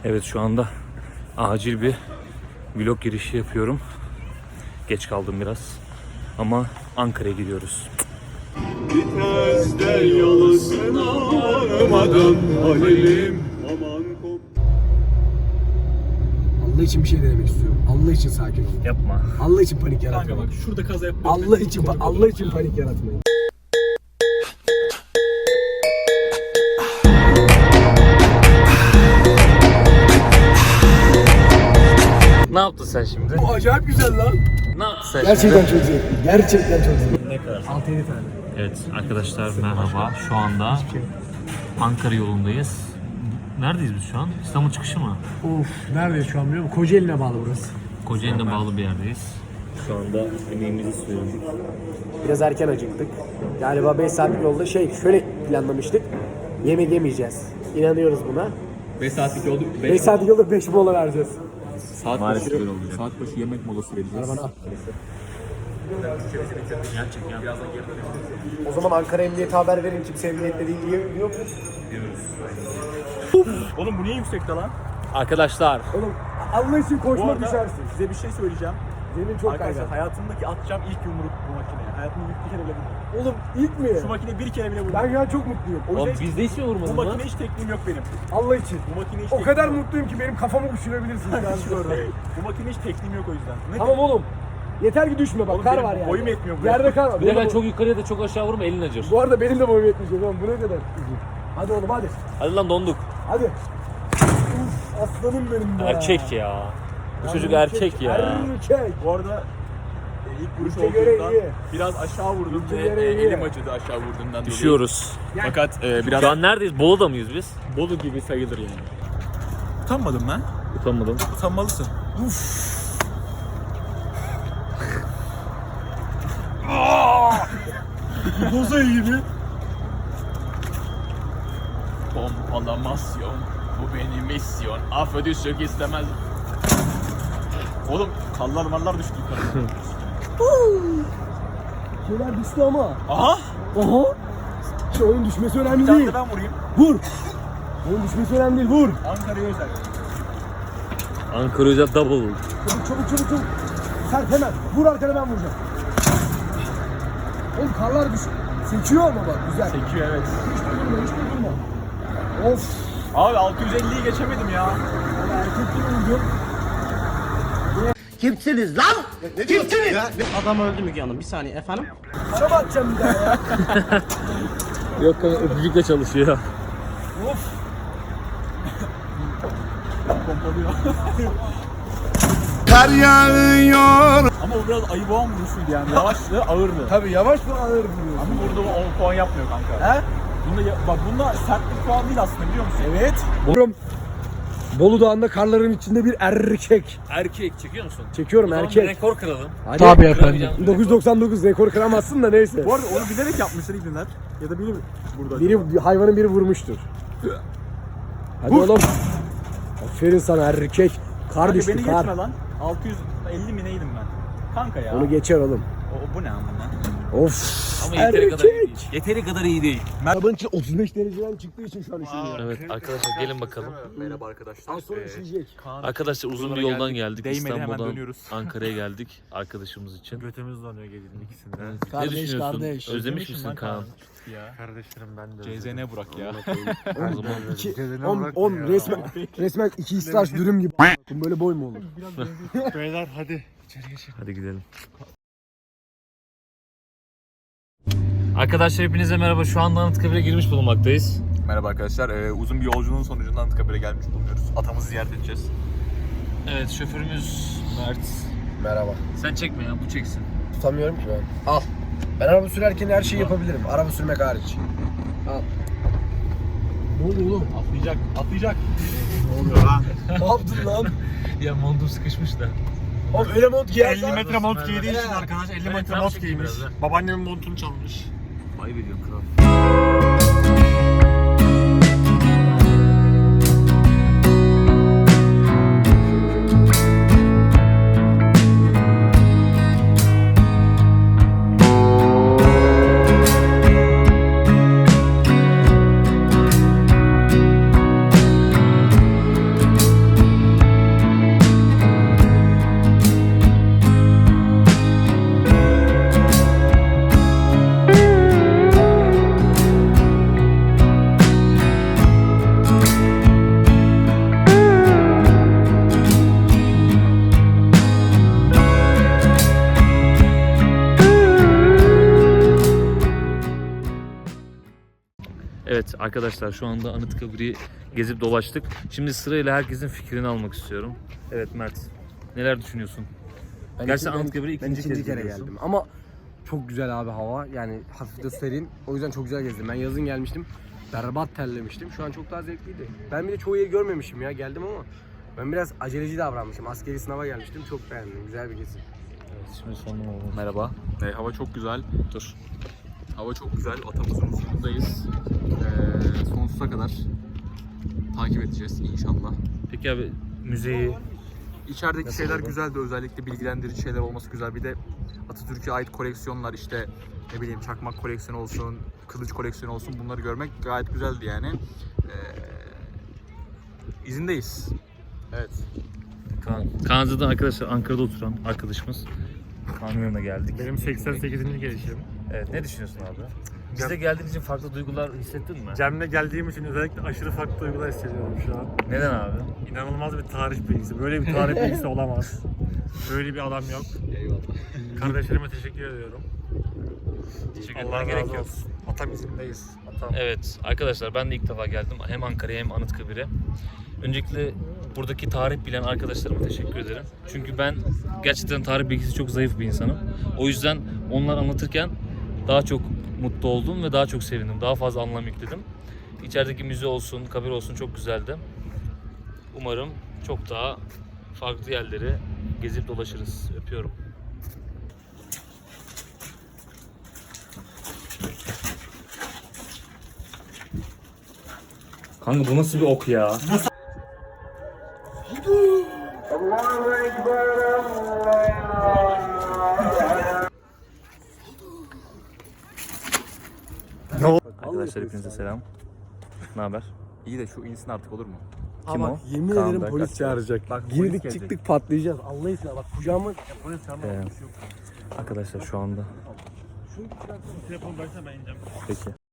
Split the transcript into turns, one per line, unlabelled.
Evet, şu anda acil bir vlog girişi yapıyorum. Geç kaldım biraz. Ama Ankara'ya gidiyoruz.
Viteste yolasına varmadan Halil'im aman kop.
Allah için bir şey denemek istiyorum. Allah için sakin olun.
Yapma.
Allah için panik
Kanka
yaratmayın.
bak şurada kaza yapıyor.
Allah için panik yaratmayın.
Ne yaptın sen şimdi?
Bu acayip güzel lan.
Ne yaptın sen
Gerçekten çok zevkli. Gerçekten çok zevkli.
Ne kadar?
6-7 tane.
Evet arkadaşlar, merhaba. Şu anda Ankara yolundayız. Neredeyiz biz şu an? İstanbul çıkışı mı?
Of, neredeyiz şu an biliyor musun? Kocaeli'ne bağlı burası.
Kocaeli'ne bağlı bir yerdeyiz. Şu anda yemeğimizi söyledik.
Biraz erken acıktık. Galiba 5 saatlik yolda şöyle planlamıştık. Yemek yemeyeceğiz. İnanıyoruz buna.
5 saatlik yolda
5 saatlik yolda 5 mola vereceğiz.
saat başı böyle olacak. Saat başı yemek molası vereceğiz.
Arabana al. O zaman Ankara Emniyet'e haber verin, kimse emniyette değil diye yok mu?
Oğlum bu niye yüksekte lan?
Arkadaşlar,
Oğlum Allah için
Bu
koşma
arada
düşersin.
size bir şey söyleyeceğim.
Zemin çok
Arkadaşlar
kaygan.
hayatımdaki atacağım ilk yumruk bu makineye. Hayatımda bir kere bile vurdum.
Oğlum ilk mi?
Şu makine bir kere bile vurdum.
Ben ya çok mutluyum. O
oğlum
yüzden
bizde hiç mi
Bu
vurmadın lan?
makine hiç tekniğim yok benim.
Allah için.
Bu makine hiç
O
tekniğim
kadar
yok.
mutluyum ki benim kafamı uçurabilirsin şu an şurada.
Bu makine hiç tekniğim yok o yüzden. Ne
Tamam oğlum. Yeter ki düşme bak,
Oğlum
kar
benim
var yani.
boyum yetmiyor buraya.
Yerde kar var.
Bir de ben
Benim-
çok yukarıya da çok aşağı vurma, elin acır.
Bu arada benim de boyum yetmeyecek oğlum, bu ne kadar üzücü. Hadi oğlum hadi.
Hadi lan, donduk.
Hadi. Uf, aslanım benim be.
Erkek ya. Bu çocuk erkek ya.
Erkek.
Bu arada ilk vuruş
Ülke göre
olduğundan
iyi.
biraz aşağı vurdum
Ülke
ve
göre iyi.
elim acıdı aşağı vurduğundan
Düşüyoruz.
dolayı. Fakat biraz
Şu an neredeyiz? Bolu'da mıyız biz?
Bolu gibi sayılır yani. Utanmadım lan.
Utanmadım.
Utanmalısın. Boza gibi. Pompalamasyon. Bu benim misyon. Affı düşük istemez. Oğlum kallar mallar düştü yukarı.
Şeyler düştü ama.
Aha.
Oha. Şu oyun düşmesi önemli
Bir tane
değil.
de ben vurayım.
Vur. Oyun düşmesi önemli değil, vur.
Ankara'ya özel.
Ankara Hoca double.
Çabuk. Sert hemen. Vur arkana, ben vuracağım. Oğlum karlar düş. Sekiyor ama bak, güzel.
Sekiyor evet.
Hiç durma. Of.
Abi 650'yi geçemedim ya.
Erkek gibi vurdum.
Kimsiniz lan? Kimsiniz? Adam öldü Müge Hanım. Bir saniye efendim.
Araba atacağım bir daha ya.
Yok kanka, öpücükle çalışıyor.
Of.
Pompalıyor.
Kar yağıyor.
Ama o biraz ayı boğan vuruşuydu yani. Yavaştı, ağırdı.
Tabii yavaş ve ağır vuruyor.
Ama burada 10 puan yapmıyor kanka.
He?
Bunda sertlik puan değil aslında, biliyor musun?
Evet. Vurum. Bolu Dağı'nda karların içinde bir erkek.
Erkek çekiyor musun?
Çekiyorum,
O zaman
erkek.
bir rekor kıralım.
Hadi.
Tabii efendim.
999 rekor kıramazsın da neyse.
Bu arada onu bilerek yapmışlar İbniler. Ya da biri burada.
Biri, hayvanın biri vurmuştur. Hadi
Vur.
oğlum. Aferin sana erkek. Kar
Kanka
düştü,
beni
kar.
geçme lan. 650 mi neydim ben? Kanka ya.
Onu geçer oğlum.
Bu ne amına?
Of.
Ama yeteri kadar iyi değil.
Erkek.
Yeteri kadar iyi değil.
Arabanın içi 35 dereceden çıktığı için şu an üşüyor.
Evet arkadaşlar, gelin bakalım.
Merhaba arkadaşlar.
Az sonra üşüyecek.
Arkadaşlar uzun bir yoldan geldik.
Değmedi, hemen
İstanbul'dan
dönüyoruz.
Ankara'ya geldik arkadaşımız için.
Götümüz donuyor gelinin ikisinde.
Ne
Kardeş,
düşünüyorsun?
kardeş.
Özlemiş misin Kaan?
Ya.
Kardeşlerim ben de.
CZN Burak ya.
O zaman
10 resmen 2 istaç dürüm gibi. Böyle boy mu olur?
Beyler hadi içeri geçelim.
hadi gidelim. Arkadaşlar hepinize merhaba. Şu anda Anıtkabir'e girmiş bulunmaktayız.
Merhaba arkadaşlar. Uzun bir yolculuğun sonucunda Anıtkabir'e gelmiş bulunuyoruz. Atamızı ziyaret edeceğiz.
Evet, şoförümüz Mert.
Merhaba.
Sen çekme ya, bu çeksin.
Tutamıyorum ki ben. Al. Ben araba sürerken her şeyi yapabilirim. Araba sürmek hariç. Al. Ne oldu oğlum?
Atlayacak.
Ne oluyor lan?
Ne yaptın lan?
Ya montum sıkışmış da.
Oğlum öyle mont giyer.
50 metre mont giydiği için arkadaş 50 metre
tam
mont
çekim
giymiş.
biraz da.
Babaannemin montunu çalmış.
Ayıp ediyorsun kral. Arkadaşlar şu anda Anıtkabir'i gezip dolaştık. Şimdi sırayla herkesin fikrini almak istiyorum. Evet Mert, neler düşünüyorsun? Gerçi Anıtkabir'e ikinci kere
geldim. Ama çok güzel abi hava. Yani hafif de serin. O yüzden çok güzel gezdim. Ben yazın gelmiştim. Berbat terlemiştim. Şu an çok daha zevkliydi. Ben bir de çoğu yeri görmemişim ya. Geldim ama ben biraz aceleci davranmışım. Askeri sınava gelmiştim. Çok beğendim. Güzel bir gezi.
Evet, şimdi sonuna oldu.
Merhaba. Hava çok güzel. Dur. Hava çok güzel. Atamızın huzurundayız. Sonsuza kadar takip edeceğiz inşallah.
Peki abi müzeyi
İçerideki
Nasıl
şeyler
oldu?
güzeldi. Özellikle bilgilendirici şeyler olması güzel. Bir de Atatürk'e ait koleksiyonlar işte ne bileyim çakmak koleksiyonu olsun, kılıç koleksiyonu olsun bunları görmek gayet güzeldi yani. İzindeyiz. Evet.
Kaan zaten arkadaşlar Ankara'da oturan arkadaşımız. Kaan'ın yanına geldik.
Benim 88. gelişim.
Evet, ne düşünüyorsun abi? Bize geldiğin için farklı duygular hissettin mi?
Cem'le geldiğim için özellikle aşırı farklı duygular hissediyorum şu an.
Neden abi?
İnanılmaz bir tarih bilgisi. Böyle bir tarih bilgisi olamaz. Böyle bir adam yok.
Eyvallah.
Kardeşlerime teşekkür ediyorum.
Teşekkür
Allah
etmeye gerek
razı
yok.
olsun. Atam izindeyiz. Atam.
Evet arkadaşlar, ben de ilk defa geldim hem Ankara'ya hem Anıtkabir'e. Öncelikle buradaki tarih bilen arkadaşlarıma teşekkür ederim. Çünkü ben gerçekten tarih bilgisi çok zayıf bir insanım. O yüzden onlar anlatırken daha çok mutlu oldum ve daha çok sevindim. Daha fazla anlam yükledim. İçerideki müze olsun, kabir olsun çok güzeldi. Umarım çok daha farklı yerleri gezip dolaşırız. Öpüyorum. Kanka bu nasıl bir ok ya? Arkadaşlar hepinize selam. Ne haber?
İyi de şu insin artık olur mu?
Kim
Ama
o?
yemin
Kaan
ederim
Berk
polis
Akçay.
çağıracak.
Bak, polis
Girdik
gelecek.
çıktık patlayacağız. Allah için bak kucağıma polis
Arkadaşlar şu anda.
Telefonu versene ben ineceğim.
Peki.